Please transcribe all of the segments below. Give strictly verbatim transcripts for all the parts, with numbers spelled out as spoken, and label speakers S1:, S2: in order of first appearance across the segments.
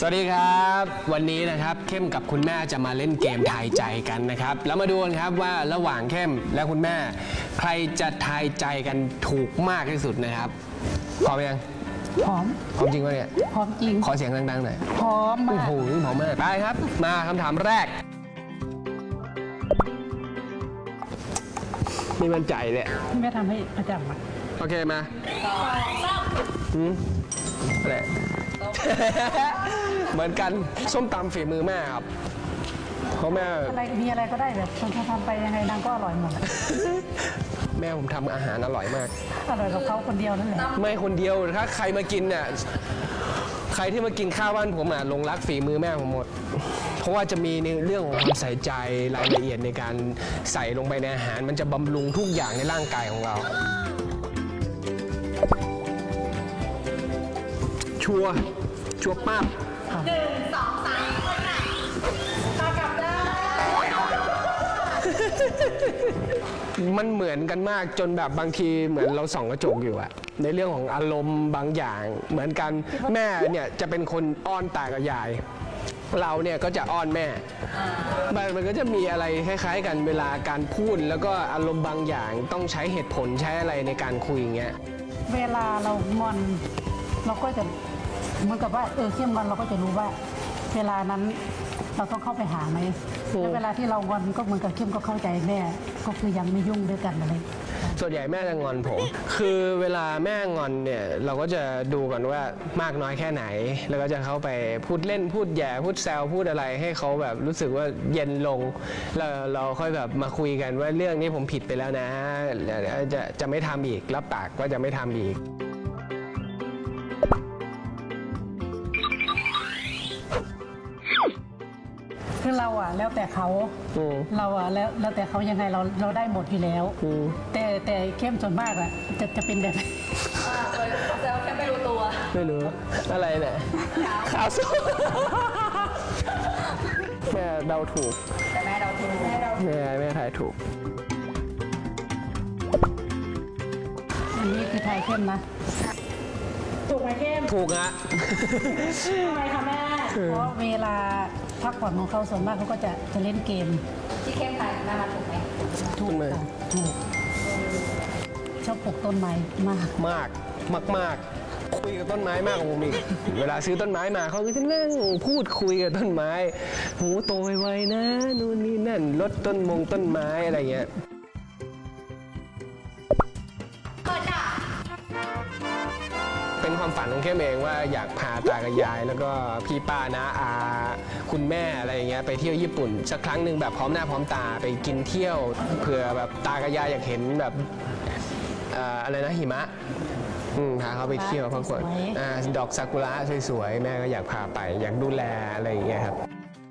S1: สวัสดีครับวันนี้นะครับเข้มกับคุณแม่จะมาเล่นเกมทายใจกันนะครับแล้วมาดูกันครับว่าระหว่างเข้มและคุณแม่ใครจะทายใจกันถูกมากที่สุดนะครับพร้อมยัง
S2: พร้อม
S1: พร้อมจริงปะเนี่ย
S2: พร้อมจริง
S1: ขอเสียงดังๆหน่อย
S2: พร้อมมาก
S1: โอ้โหพร้อมมากไปครับมาคำถามแรกไม่มั่นใจเลย
S2: แม่ทำให้ประจำอ่ะ
S1: โอเคมาอืมอะไรเหมือนกันส้มตำฝีมือแม่ครับเพราะแม่
S2: อะไรมีอะไรก็ได้แบบคนทำไปยังไงนางก็อร่อยหมด
S1: แม่ผมทำอาหารอร่อยมาก
S2: อร่อยกับเขาคนเดียวนั่นแหละ
S1: ไม่คนเดียวถ้าใครมากินเนี่ยใครที่มากินข้าวบ้านผมอ่ะหลงรักฝีมือแม่ผมหมดเพราะว่าจะมีในเรื่องของความใส่ใจรายละเอียดในการใส่ลงไปในอาหารมันจะบำรุงทุกอย่างในร่างกายของเราชัวชัวป้า
S3: หนึ่งสองสามคนไหนตากลับได้
S1: มันเหมือนกันมากจนแบบบางทีเหมือนเราส่องกระจกอยู่อะในเรื่องของอารมณ์บางอย่างเหมือนกันแม่เนี่ยจะเป็นคนอ้อนตากับยายเราเนี่ยก็จะอ้อนแม่มันก็จะมีอะไรคล้ายๆกันเวลาการพูดแล้วก็อารมณ์บางอย่างต้องใช้เหตุผลใช้อะไรในการคุยอย่างเงี้ย
S2: เวลาเรางอนเราก็จะเหมือนกับว่าเออเข้มงอนเราก็จะรู้ว่าเวลานั้นเราต้องเข้าไปหาไหมแล้วเวลาที่เรางอนก็เหมือนกับเข้มก็เข้าใจแม่ก็คือยังไม่ยุ่งด้วยกันอะไร
S1: ส่วนใหญ่แม่จะงอนผมคือเวลาแม่งอนเนี่ยเราก็จะดูก่อนว่ามากน้อยแค่ไหนแล้วก็จะเข้าไปพูดเล่นพูดแย่พูดแซวพูดอะไรให้เขาแบบรู้สึกว่าเย็นลงแล้วเราค่อยแบบมาคุยกันว่าเรื่องนี้ผมผิดไปแล้วนะจะจะไม่ทำอีกรับปากว่าจะไม่ทำอีก
S2: คือเราอ่ะแล้วแต่เขาเราอ่ะแล้วแล้วแต่เขายังไงเราเราได้หมดอยู่แล้วแต่แต่เข้มส่วนมากอ่ะจะจะเป็นแบบ
S3: แล้วแค่ไม่รู้ตัว
S1: ไม่รู้อะไรเนี่ยขาวสุดแม่เดาถูก
S3: แต่แม่เดาถูกแม่เดา
S1: แม่แม่ทายถูก
S2: อันนี้คือทายเข้มนะถูกไหมเข้ม
S1: ถูกอะ
S2: ทำไมคะแม่เพราะเวลาพักผ่อนของเขาส่วนมากเขาก็จะจะเล่นเกม
S3: ที่เข้มทายแม่มาถูกไหม
S2: ถูกค่ะถูกชอบปลูกต้นไม้มาก
S1: มากมากมากคุยกับต้นไม้มากกว่าผมอีกเวลาซื้อต้นไม้มาเขาก็จะนั่งพูดคุยกับต้นไม้โหโตไวๆนะนู่นนี่นั่นลดต้นมงต้นไม้อะไรเงี้ยเป็นความฝันของเข้มเองว่าอยากพาตากับยายแล้วก็พี่ป้าน้าอาคุณแม่อะไรอย่างเงี้ยไปเที่ยวญี่ปุ่นสักครั้งหนึ่งแบบพร้อมหน้าพร้อมตาไปกินเที่ยวเผื่อแบบตากับยายอยากเห็นแบบอะไรนะหิมะพาเขาไปเที่ยวพักผ่อนดอกซากุระสวยๆแม่ก็อยากพาไปอยากดูแลอะไรอย่างเงี้ยครับ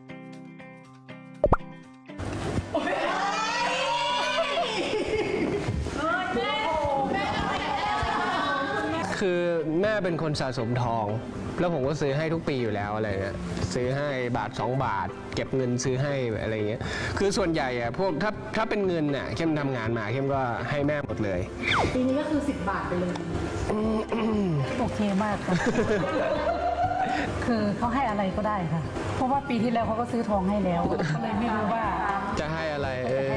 S1: คือแม่เป็นคนสะสมทองแล้วผมก็ซื้อให้ทุกปีอยู่แล้วอะไรเงี้ยซื้อให้บาทสองบาทเก็บเงินซื้อให้อะไรเงี้ยคือส่วนใหญ่อะพวกถ้าถ้าเป็นเงินน่ะเข้มทำงานมาเข้มก็ให้แม่หมดเลย
S3: ปีนี้ก็คือสิบบาทไปเลย
S2: โอเคมากค่ะคือเขาให้อะไรก็ได้ค่ะเพราะว่าปีที่แล้วเขาก็ซื้อทองให้แล้วก็เลยไม่รู้ว่า
S1: จะให้อะไรเออ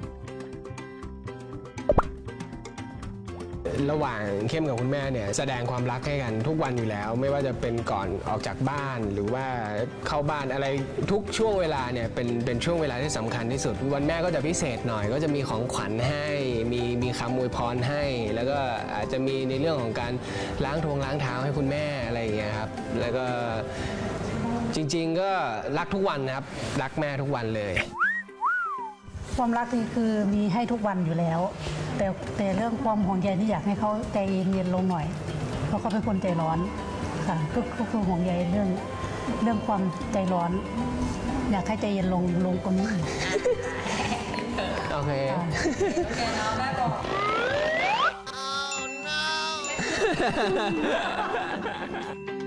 S1: ระหว่างเข้มกับคุณแม่เนี่ยแสดงความรักให้กันทุกวันอยู่แล้วไม่ว่าจะเป็นก่อนออกจากบ้านหรือว่าเข้าบ้านอะไรทุกช่วงเวลาเนี่ยเป็นเป็นช่วงเวลาที่สำคัญที่สุดวันแม่ก็จะพิเศษหน่อยก็จะมีของขวัญให้มีมีคำอวยพรให้แล้วก็อาจจะมีในเรื่องของการล้างทงล้างเท้าให้คุณแม่อะไรอย่างเงี้ยครับแล้วก็จริงๆก็รักทุกวันนะครับรักแม่ทุกวันเลย
S2: ความรักนี่คือมีให้ทุกวันอยู่แล้วแต่แต่เรื่องความห่วงใยนี่อยากให้เขาใจเย็นลงหน่อยเพราะเขาเป็นคนใจร้อนค่ะก็คือห่วงใยเรื่องเรื่องความใจร้อนอยากให้ใจเย็นลงลงกว่านี้อีก
S1: โอเค
S3: โอเคเนาะแม่บอก